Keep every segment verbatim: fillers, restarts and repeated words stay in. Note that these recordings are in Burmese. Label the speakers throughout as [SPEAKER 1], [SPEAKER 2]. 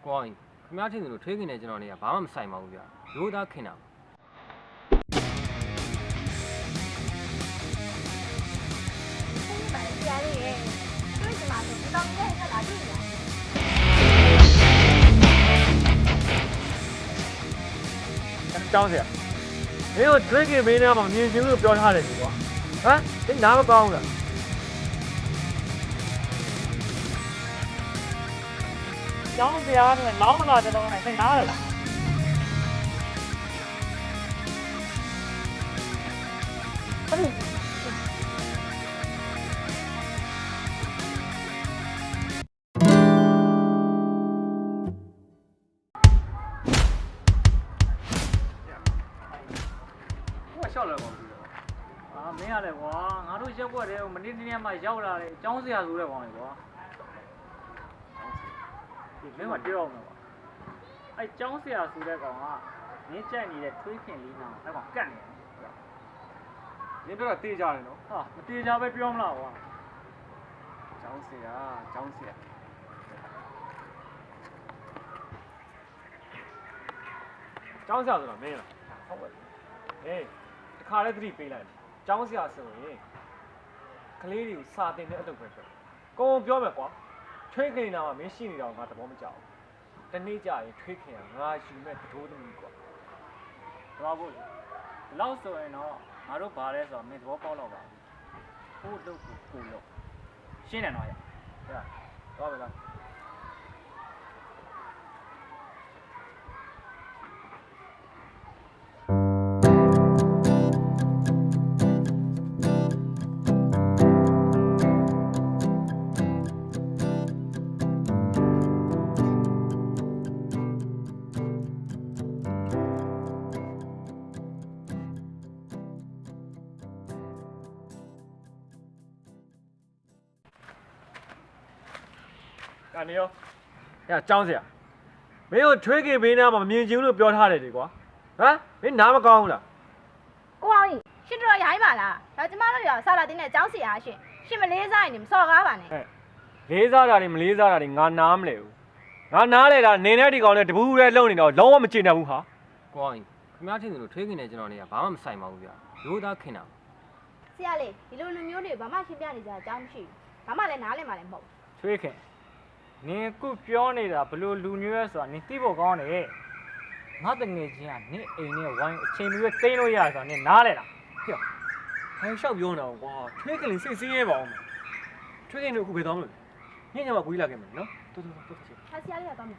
[SPEAKER 1] ကွာခင်ဗျားထင်တယ်လို့ထွေးခင်နဲ့ကျွန်တော်နေကဘာမှမဆိုင်ပါဘူးဗျာရိုးသားခင်တာ
[SPEAKER 2] ဆရာလေးရဲ့တွေ့ကြမှာဆိုဒီကောင်ကြီးရဲ့လာတွေ့ရ
[SPEAKER 3] ကျောင်းဆရာမင်းတို့ဒရစ်ကင်မင်းသားမှာမြင်ချင်းလို့ပြောထားတယ်ဒီကွာဟမ်ဒီနားမကောင်းဘူးလားကျောင်းဆရာကလောင်းမလာတဲ့တော့နဲ့သိနားရလားအဲ့
[SPEAKER 1] ရှောက်လာပါဘူးအာမင်းရတယ်ကွာငါတို့ရက်ွက်တယ်မနေ့တနေ့မှရောက်လာတယ်အကြောင်းစရာဆိုတဲ့ကောင်လေကွာဒီမင်းကပြောအောင်ကွာအဲ့အကြောင်းစရာဆိုတဲ့ကောင်ကမင်းကြိုက်နေတဲ့ထွေးခင်လေးနာအဲ့ကောင်ကတ်နေတယ်မင်းတို့ကတေးကြတယ်နော်ဟာမတေးကြပဲပြောမလားကွာအကြောင်းစရာအကြောင်းစရာအကြောင်းစရာဆိုတာမင်းလားဟုတ်ပါဟေးခါလည်းသတိပေးလိုက်ကျောင်းဆရာဆိုရင်ကလေးတွေကိုစာတင်တဲ့အလုပ်ပဲပြောကိုယ်ပြောမယ်ကွာထွေးခင်နာမှာမင်းရှိနေတော့ငါသဘောမကျဘူးတနေ့ကျရင်ထွေးခင်ကငါယူမဲ့တိုးသမီးကွာသွားဖို့ဒီလောက်ဆိုရင်တော့ငါတို့ဘာလဲဆိုတော့မင်းသဘောပေါက်တော့ပါဘူးကို့လုပ်ကိုကို့လုပ်ရှင်းတယ်နော်ရဟဲ့သွားပြီလားကနေရောအဲ့အကြောင်းစရာမင်းတို့ထွေးခင်ဘေးနားမှာမမြင်ချင်လို့ပြောထားတယ်ဒီကွာဟမ်မင်းနားမကောင်းဘူးလား
[SPEAKER 2] ကိုအောင်ကြီးရှင်းတော့ရိုင်းပါလားဒါကျမတို့ရောဆာလာတင်းနဲ့ကျောင်းစီအားရှင်ရှင်မလေးစားရင်မစော်ကားပါနဲ့
[SPEAKER 3] ဟဲ့လေးစားတာတွေမလေးစားတာတွေငါနားမလဲဘူးငါနားလဲတာနေနဲ့ဒီကောင်နဲ့တပူးရဲလုံနေတော့လုံးဝမချင်တတ်ဘူးဟာကွာခင်ဗျားထင်တယ်လို့ထွေးခင်နဲ့ကျွန်တော်နေကဘာမှမဆိုင်ပါဘူးဗျာရိုးသားခင်တာ
[SPEAKER 2] ဆရာလေးဒီလိုလူမျိုးတွေဘာမှရှင်းပြနေကြအကြောင်းမရှိဘူးဘာမှလည်းနားလည်မှလည်းမဟုတ်
[SPEAKER 3] ထွေးခင်နင်အခုပြောနေတာဘလို့လူမျိုးရဲဆိုတာနင်သိဖို့ကောင်းတယ်ငါတငယ်ချင်းကနင်အိမ်နဲ့ဝိုင်းအချိန်မျိုးသိမ်းလို့ရဆိုတာနင်နားလဲလားဟေ့ဟဲ့ရှောက်ပြောနေတာကွာထွေးခင်လေးစိတ်ဆင်းရဲပါအောင်ထွေးခင်တို့အခုဘယ်သွားမလို့ညညမှာကိုကြီးလာခဲ့မယ်နော်တော်တော်တော်တော်
[SPEAKER 2] ဆရာလေးကတော့မယ်
[SPEAKER 3] ဟေ့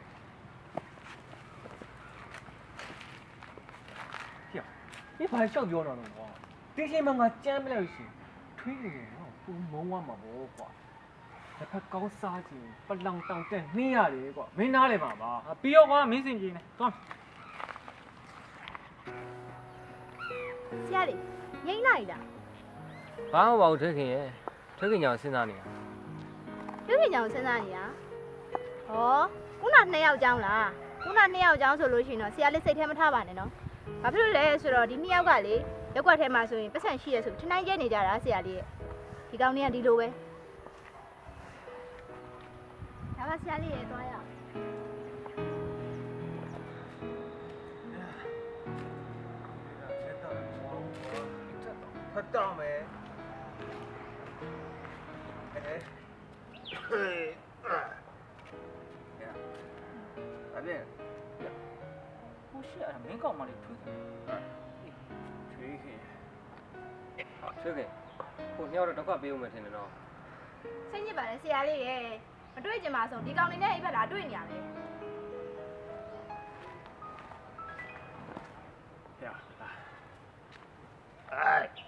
[SPEAKER 3] ဒီဘာရှောက်ပြောနေတာကွာဒီချိန်မှာငါကြမ်းမလို့ရှိထွေးခင်ကတော့ပူမုံဝမှာပေါ့ကွာတစ်ဖက်ကောင်းစားခြင်းပလောင်တောင်တက်နှင်းရတယ်ကွာမင်းနားလဲပါပါပြီးတော့ကွာမင်းစင်ကြီးနဲ့သွား
[SPEAKER 2] ဆရာလေးငိမ့်လိုက်လား
[SPEAKER 1] ဘာမှမပါဘူးထွေးခင်ရဲ့ထွေးခင်ကြောင့်စဉ်းစားနေတာ
[SPEAKER 2] ထွေးခင်ကြောင့်စဉ်းစားနေတာဟောခုနနှစ်ယောက်ကျောင်းလားခုနနှစ်ယောက်ကျောင်းဆိုလို့ရှိရင်တော့ဆရာလေးစိတ်ထဲမထားပါနဲ့နော်ဘာဖြစ်လို့လဲဆိုတော့ဒီနှစ်ယောက်ကလေရက်ွက်ထဲမှာဆိုရင်ပတ်စံရှိရဆိုထနိုင်ကျဲနေကြတာဆရာလေးရဲ့ဒီကောင်လေးကဒီလိုပဲဒါပါဆရာလေးရဲ့သွားရအောင်
[SPEAKER 1] ဖတ်တော့မယ်အဲဟဲ့အပြင်ဟိုရှိရမင်းကောင်မလေးထွေးခင်ထွေးခင်ထွေးခင်ဟိုညောတော့တော့ပေးဦးမယ်ထင်တယ်နော်
[SPEAKER 2] စိတ်ညစ်ပါလေဆရာလေးရဲ့မတွေ့ကြမှာဆိုဒီကောင်လေးနဲ့အိပ်ဘက်လာတွေ့နေရတယ်
[SPEAKER 1] ။ရ။အိုင်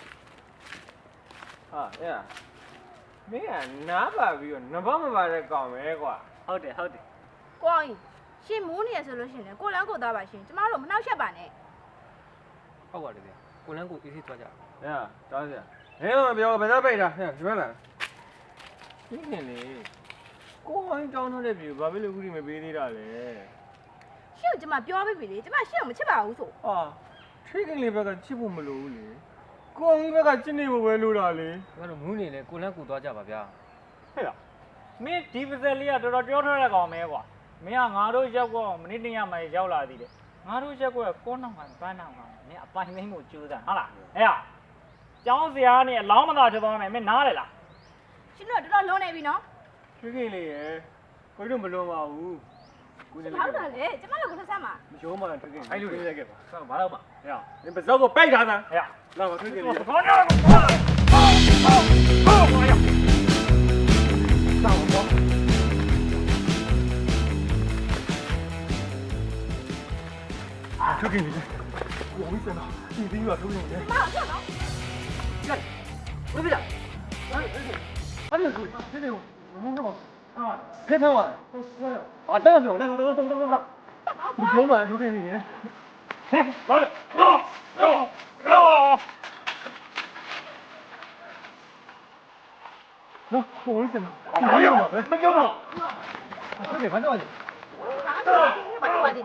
[SPEAKER 1] ။ဟာရ။မင်းကနားပါပြီးတော့နဘာမပါတဲ့ကောင်ပဲကွာ။ဟုတ်တယ်ဟုတ်တယ်
[SPEAKER 2] ။ကိုအောင်ရှင်မိုးနေရဆိုလို့ရှိရင်ကိုလန်းကိုသားပါရှင်ကျမတို့မနှောက်ရှက်ပါနဲ့
[SPEAKER 1] ။ဟုတ်ပါတယ်ဗျ။ကိုလန်းကိုအေးဆေးသွားကြ။
[SPEAKER 3] ရ။တောင်းစရာ။မင်းကပြောဘယ်တော့ပိတ်တာ။ဟဲ့ဒီမဲ့လား
[SPEAKER 1] ။ဒီခင်လေ
[SPEAKER 3] ကိုဝိုင်းတောင်းထားတဲ့ပြေဘာဖြစ်လို့ခုထိမပေးသေးတာလဲ
[SPEAKER 2] ရှင့်ကျမပြောပြပြီလေကျမရှင့်ကိုမချစ်ပါဘူးဆို
[SPEAKER 3] ဟာထွေးခင်လေးဘက်ကချစ်ဖို့မလိုဘူးလေကိုအောင်ကြီးဘက်ကချစ်နေဖို့ပဲလိုတာလေ
[SPEAKER 1] ဘာလို့မူးနေလဲကိုလန်းကိုသွားကြပါဗျာ
[SPEAKER 3] ဟဲ့လားမင်းဒီပစက်လေးကတော်တော်ပြောထားတဲ့ကောင်မဲကွာမင်းကငါတို့ရက်ကွက်မနေ့တနေ့မှရောက်လာသေးတယ်ငါတို့ရက်ကွက်ကိုနောက်မှပန်းနောက်မှမင်းအပိုင်သိမ်းဖို့ကြိုးစားဟုတ်လားအဲ့ဟာကျောင်းဆရာကနေအလောင်းမသာထွက်သွားမယ်မင်းနားလေလား
[SPEAKER 2] ရှင်တို့တော်တော်လုံးနေပြီနော်
[SPEAKER 1] ထွေးခင်လေးရယ်ကိုတို့မလွန်ပါဘူးကိုနေ
[SPEAKER 2] ဘာလို့လဲလေကျမတို့ကိုဆက်ဆက်မှာ
[SPEAKER 1] မရောမှထွေးခင်အဲ့လိုလေးခဲ့ပါဆောက်ဘာတော့မှဟဲ့နင်ပစောကိုပိတ်ထားစမ်း
[SPEAKER 3] ဟဲ့
[SPEAKER 1] လာပါထွေးခင်လေး
[SPEAKER 3] ဘာညာကိုဆောက်ပါ
[SPEAKER 1] ထွေးခင်လေးကိုဝိစနာဒီပြီးတော့ထွေးခင်လေး
[SPEAKER 2] မဟုတ်နော်
[SPEAKER 1] ဘယ်ပြလာအဲ့လိုကိုဒီလိုမုန်းတော့အာဖေးဖေးဝါအာတော့ပြောတော့တော့တော့တော့ဒီပြောမှထွေးခင်လေးဟဲ့ဘာလဲတော့တော့နော်ကိုဝိစနာမပြောပါဘူးမပြောပါဘူးဟုတ်တယ်ဘာတော့လဲ
[SPEAKER 2] ဘာလို့ပါသေးလဲ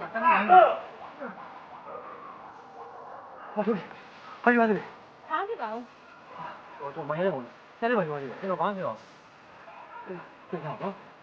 [SPEAKER 1] ဘာလို့ဘာပြောရလဲ
[SPEAKER 2] ဘာဖြစ်ပါဦး
[SPEAKER 1] ဟိုတော့မရဘူးဆဲလေးဘာပြောရလဲကျွန်တော်ဘာပြောလဲပြန်တော့